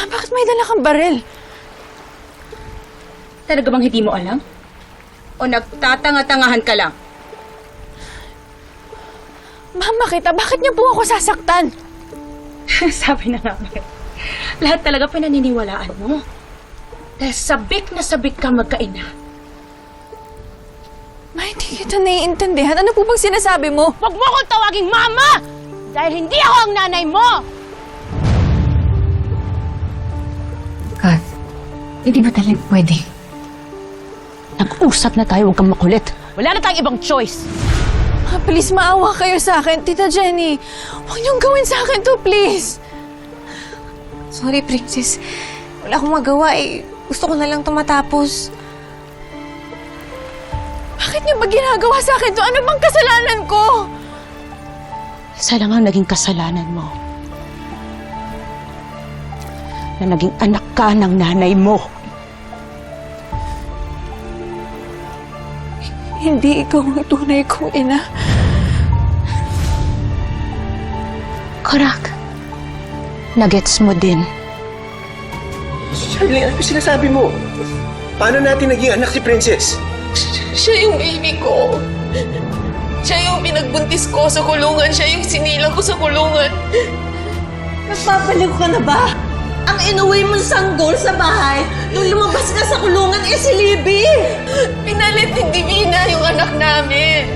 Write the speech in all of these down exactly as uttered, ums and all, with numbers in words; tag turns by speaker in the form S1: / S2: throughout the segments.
S1: bakit may dala kang baril?
S2: Talaga bang hindi mo alam? O nagtatanga-tangahan ka lang?
S1: Mama kita, bakit niyo po ako sasaktan?
S2: Sabi na namin. Lahat talaga pinaniniwalaan mo. Dahil sabik na sabik ka magkaina.
S1: Ma, hindi kita naiintindihan. Ano po bang sinasabi mo?
S2: Huwag mo akong tawaging mama! Dahil hindi ako ang nanay mo!
S3: Kath, hindi ba talaga pwede?
S2: Nag-usap na tayo, huwag kang makulit. Wala na tayong ibang choice.
S1: Ma, please, maawa kayo sa akin. Tita Jenny, huwag niyong gawin sa akin to, please.
S4: Sorry, Princess. Wala akong magawa eh. Gusto ko na lang ito matapos.
S1: Bakit niyo ba ginagawa sa akin to? Ano bang kasalanan ko?
S2: Isa lang ang naging kasalanan mo. Na naging anak ka ng nanay mo.
S1: Hindi ikaw ang tunay kong ina.
S2: Correct. Nagets mo din.
S5: Charlene, ano sinasabi mo? Paano natin naging anak si Princess?
S4: Siya yung baby ko. Siya yung pinagbuntis ko sa kulungan. Siya yung sinilang ko sa kulungan.
S6: Nagpapaliw ka na ba? Ang inuwi mong sanggol sa bahay nung lumabas ka sa kulungan eh si Libby!
S4: Pinalit ni Divina yung anak namin.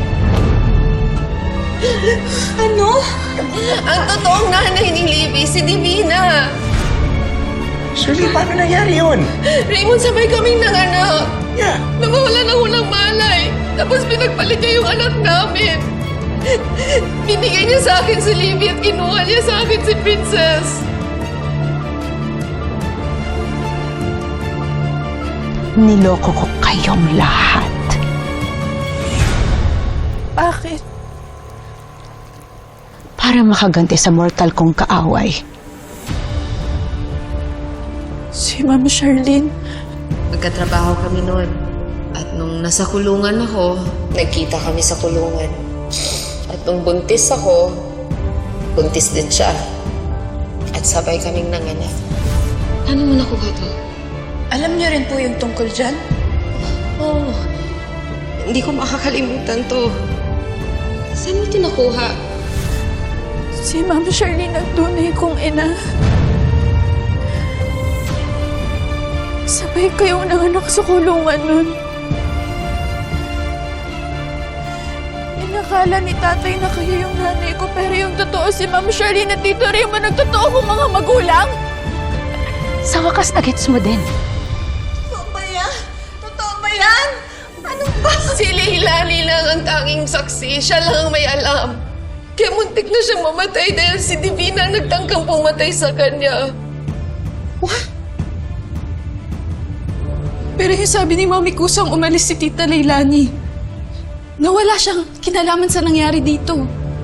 S6: Ano?
S4: Ang totoong nanay ni Libby, si Divina.
S5: Shirley, paano nangyari yun?
S4: Raymond, sabay kaming nanganak.
S5: Yeah.
S4: Nawawala ng unang malay. Tapos pinagpalit niya yung anak namin. Binigay niya sa akin si Libby at kinuha niya sa akin si Princess.
S2: Niloko ko kayong lahat.
S1: Bakit?
S2: Para makaganti sa mortal kong kaaway.
S1: Si Ma'am Charlene.
S3: Magkatrabaho kami noon. At nung nasa kulungan ako, nagkita kami sa kulungan. At nung buntis ako, buntis din siya. At sabay kaming nanganak. Paano mo nakuha to?
S4: Alam niyo rin po yung tungkol dyan?
S3: Oo. Oh, hindi ko makakalimutan to. Saan mo tinakuha?
S1: Si Ma'am Charlene ang tunay kong ina. Sabay kayong nanganak sa kulungan nun. Inakala ni tatay na kayo yung nanay ko, pero yung totoo si Ma'am Charlene at Tito Raymond ang totoo kong mga magulang.
S2: Sa wakas, nagets mo din.
S6: Totoo ba yan? Totoo ba yan? Ano ba?
S4: Si Leilani lang ang tanging saksi. Siya lang ang may alam. Kaya muntik na siya mamatay dahil si Divina ang nagtangkang pumatay sa kanya.
S3: What?
S1: Pero yung sabi ni Mami Kusang umalis si Tita Leilani. Nawala siyang kinalaman sa nangyari dito.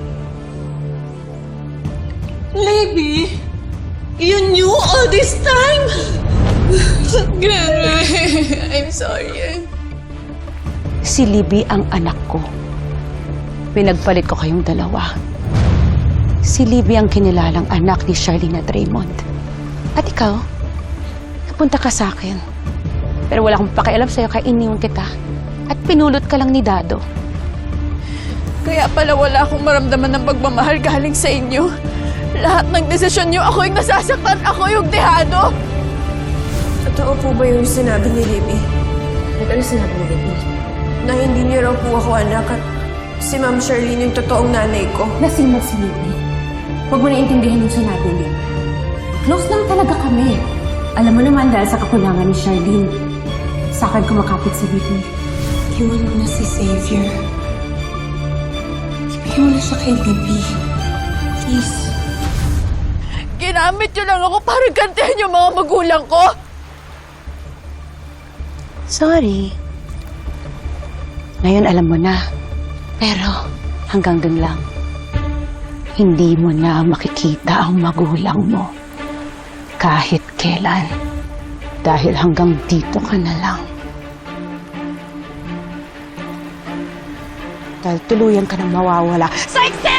S6: Libby? You knew all this time?
S4: Grandma, I'm sorry.
S2: Si Libby ang anak ko. Pinagpalit ko kayong dalawa. Si Libby ang kinilalang anak ni Charlene at Raymond. At ikaw, napunta ka sa akin. Pero wala akong pakialam sa'yo kaya iniwan kita. At pinulot ka lang ni Dado.
S1: Kaya pala wala akong maramdaman ng pagmamahal galing sa inyo. Lahat ng desisyon niyo, ako yung nasasaktan, ako yung dehado.
S4: Totoo po ba yung sinabi ni Libby? Ano sinabi ni Libby? Na hindi niyo raw po ako anak at si Ma'am Charlene yung totoong nanay ko.
S7: Lasing na si Libby. Huwag mo naintindihan yung sinabi niya. Close lang talaga kami. Alam mo naman dahil sa kakulangan ni Charlene, sa akin kumakapit si Libby.
S4: Iwan mo na si Xavier. Ibigay mo na siya kay Libby. Please.
S1: Ginamit niyo lang ako para gantihan yung mga magulang ko.
S2: Sorry. Ngayon alam mo na. Pero hanggang dun lang. Hindi mo na makikita ang magulang mo. Kahit kailan. Dahil hanggang dito ka na lang. Dahil tuluyan ka na mawawala sa eksena!